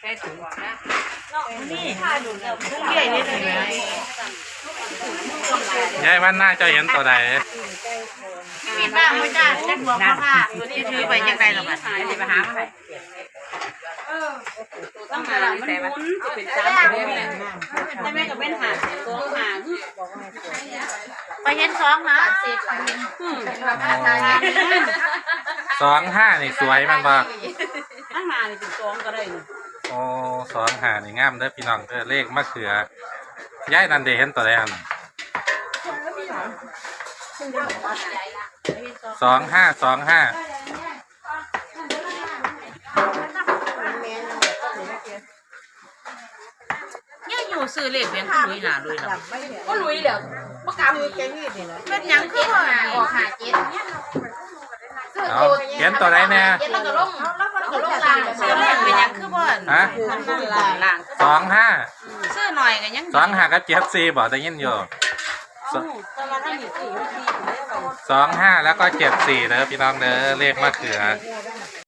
ส่ถุงนะนี่พุ่งใหญ่นิดหนึ่งนะยายวันหน้าเจ้าเห็นตัวใดมีบ้างไหมจ้าแจ็คบอกว่าตัวนี้ถือไปยังไงหรอกอ่ะไปหามาไหนต้องหามันมุนจะเป็นสามตัวเลยแต่แม่ก็เป็นหาตัวหาไปเห็นสองนะ 25นี่สวยมันบ่ตั้งนานเป็นสองก็ได้โอ้25นี่งามเด้อพี่น้องเด้อเลขมะเขือยายนันเดเห็นตัวใดอัน25 เนี่ยอยู่ซื้อเลขเปลี่ยนลุยหนาลุยหรอก็ลุยแล้วประกาศเป็นยังคือว่าออกหาเจ็ดเอาเขียนตัวใดแน่แล้วก็ลงล่างซื้อเลขเป็นยังคือว่าฮะ25 ซื้อหน่อยกันยัง 25กับ74บ่ได้ยินอยู่25แล้วก็74เด้อพี่น้องเด้อเลขมะเขือ